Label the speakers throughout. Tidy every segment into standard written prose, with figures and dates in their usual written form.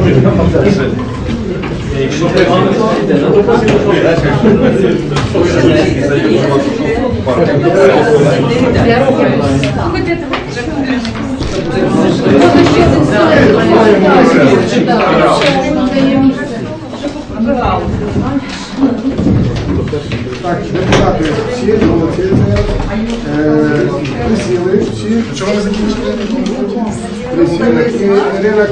Speaker 1: Так, депутати всі, молодці, присіли всі. Чого ви закінчили? Присіли і Ірина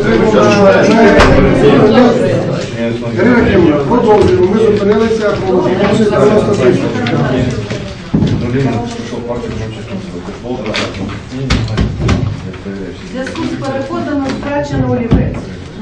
Speaker 1: Кримовна, продовжуємо. Ми зупинилися по 90 тисяч.
Speaker 2: В зв'язку з переходом втрачено олівець.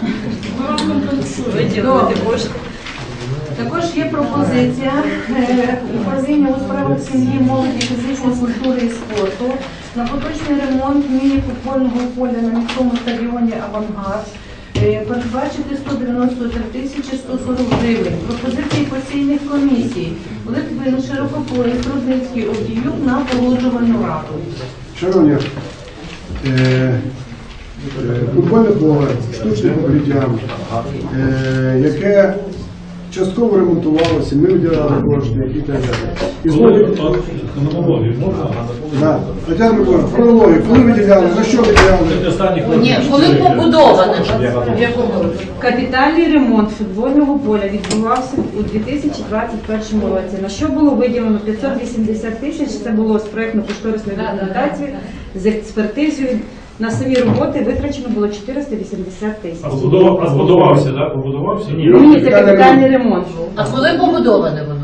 Speaker 2: Також є пропозиція управління у справах сім'ї, молоді, фізичної культури і спорту на поточний ремонт міні-футбольного поля на міському стадіоні «Авангард» передбачити 193 тисячі 140 гривень. Пропозиції постійних комісій Литвин, Широкополий, Трудницький, Одіюк на погоджувальну раду.
Speaker 1: Шановні, футбольне поле, штучне покриття, яке частково ремонтувалося, ми виділяли кошти, які так далі. Тетяна Миколаївна, хронологію, коли виділяли, за що виділяли?
Speaker 3: Ні, коли побудоване.
Speaker 4: Капітальний ремонт футбольного поля відбувався у 2021 році. На що було виділено 580 тисяч, це було з проєктно-кошторисної документації, з експертизою. На самі роботи витрачено було 480 тисяч.
Speaker 5: А збудувався, так? Побудувався?
Speaker 4: Ні, це капітальний ремонт.
Speaker 3: А коли побудоване воно?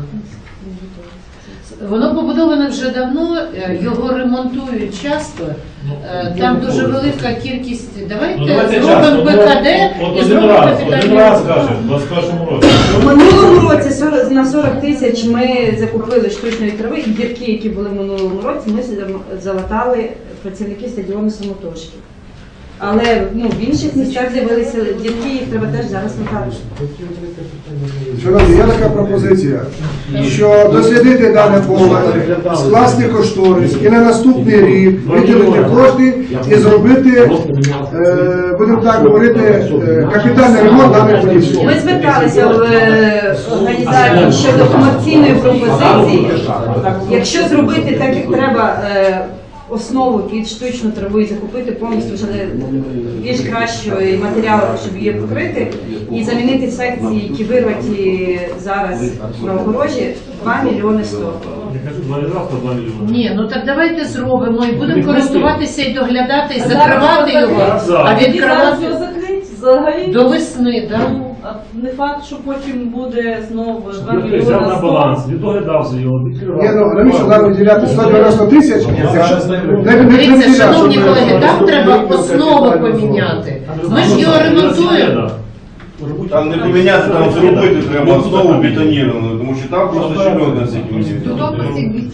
Speaker 3: Воно побудоване вже давно, його ремонтують часто. Там дуже велика кількість. Давайте зробимо ПКД і зробимо капітальний ремонт.
Speaker 5: Один раз, каже, в 21-му році.
Speaker 4: У минулому році на 40 тисяч ми закупили штучної трави і дірки, які були в минулому році, ми залатали працівники стадіону самотужки. Але в інших місцях з'явилися дірки, їх треба теж зараз латати.
Speaker 1: Шановні, є така пропозиція, що дослідити дане поле, скласти кошторис і на наступний рік виділити кошти і зробити, будемо так говорити, капітальний ремонт даних полів.
Speaker 4: Ми зверталися в організацію щодо комерційної пропозиції. Якщо зробити так, як треба, основу під штучну траву і закупити повністю вже більш кращий матеріал, щоб її покрити, і замінити секції, які вирваті зараз на огорожі, 2 мільйони 100.
Speaker 5: Я кажу, 2 мільйони.
Speaker 3: Ні, ну так давайте зробимо і будемо користуватися і доглядати, і закривати його, а відкривати до весни, так?
Speaker 6: Не факт, що потім буде знову 2
Speaker 5: Ти взяв на
Speaker 6: мільйони
Speaker 5: баланс, відоглядався його, відкривав.
Speaker 1: Ні, ну навіщо нам виділяти 190 тисяч?
Speaker 3: Дивіться, шановні колеги, там треба основу поміняти. Ми ж його ремонтуємо.
Speaker 7: Там не поміняти, там зробити треба основу бетоніровану, тому що там просто щільно на цій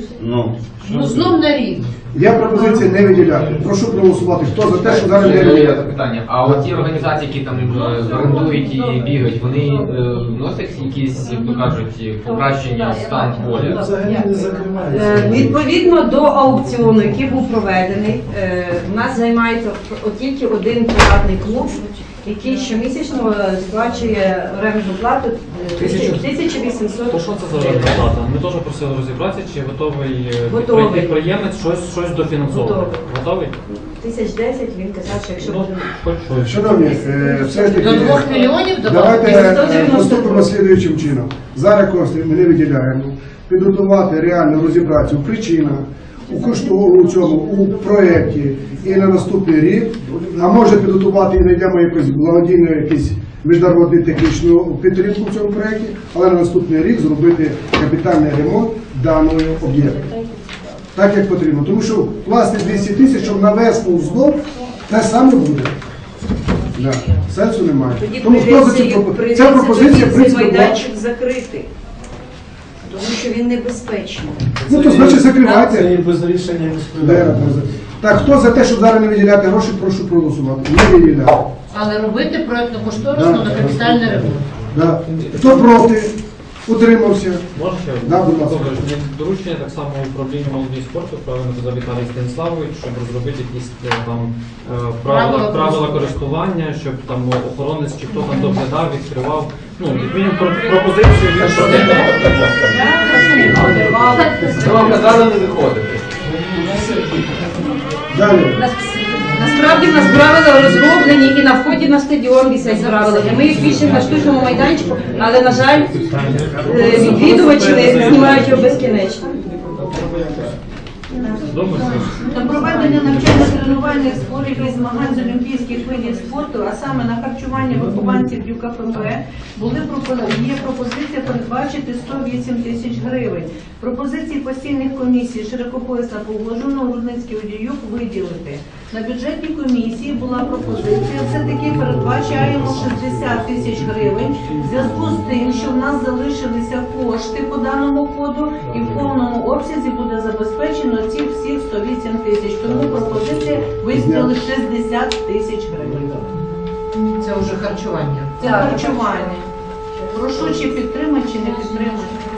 Speaker 3: Ну знов на рік.
Speaker 1: Є пропозиція не виділяти. Прошу проголосувати. Хто за те, що зараз не виділяти?
Speaker 8: Питання. А от ті організації, які там орендують і бігають, вони вносять якісь, як то кажуть, покращення стан поля?
Speaker 4: Відповідно до аукціону, який був проведений, у нас займається тільки один приватний клуб, який щомісячно сплачує орендну плату 1800.
Speaker 9: То що це за орендна плата? Ми теж просили розібратися, чи готовий підприємець щось дофінансовувати. Готовий?
Speaker 4: 1010, він казав, що якщо буде...
Speaker 1: Шановні, все ж таки,
Speaker 3: До 2 мільйонів
Speaker 1: давайте поступимо слідуючим чином. Зараз кошти ми не виділяємо. Підготувати, реально розібратися у причинах, у цьому, у проєкті і на наступний рік, а може підготувати і знайдемо якусь благодійну, якусь міжнародну технічну підтримку в цьому проєкті, але на наступний рік зробити капітальний ремонт даного об'єкту. Так, як потрібно. Тому що власне 200 тисяч, щоб на весну знов, те саме буде. Да. Сенсу немає. Тому хто за ця пропозиція, в принципі,
Speaker 2: майданчик закрити, тому що він небезпечний.
Speaker 1: ну, то значить закривайте.
Speaker 9: Це без рішення міської ради.
Speaker 1: Так, хто за те, щоб зараз не виділяти гроші, прошу проголосувати. Не виділяти.
Speaker 3: Але робити проєктно-кошторисно на капітальний ремонт.
Speaker 1: Да. Хто проти? Утримався.
Speaker 9: Можна ще?
Speaker 1: Да, будь ласка.
Speaker 9: Добре, мені доручення так само управління молоді і спорту, правильно казав Віталій Станіславович, щоб розробити якісь там правила користування, щоб там охоронець чи хто там доглядав, відкривав. Ну, як мінімум пропозицію від
Speaker 8: Вам казали не виходити.
Speaker 1: Далі.
Speaker 4: Насправді в нас правила розроблені і на вході на стадіон висять правила. І ми їх пишемо на штучному майданчику, але, на жаль, відвідувачі не знімають його безкінечно.
Speaker 2: На проведення навчально-тренувальних зборів і змагань з олімпійських видів спорту, а саме на харчування вихованців ЮКФП, є пропозиція передбачити 108 тисяч гривень. Пропозиції постійних комісій Широкопоясна погоджено, Рудницький Одіюк виділити. На бюджетній комісії була пропозиція, все-таки передбачаємо 60 тисяч гривень в зв'язку з тим, що в нас залишилися кошти по даному коду і в повному обсязі буде забезпечено ці всіх 108 тисяч. Тому пропозиція виставили 60 тисяч гривень.
Speaker 3: Це вже харчування.
Speaker 2: Це харчування. Прошу, чи підтримати, чи не підтримати.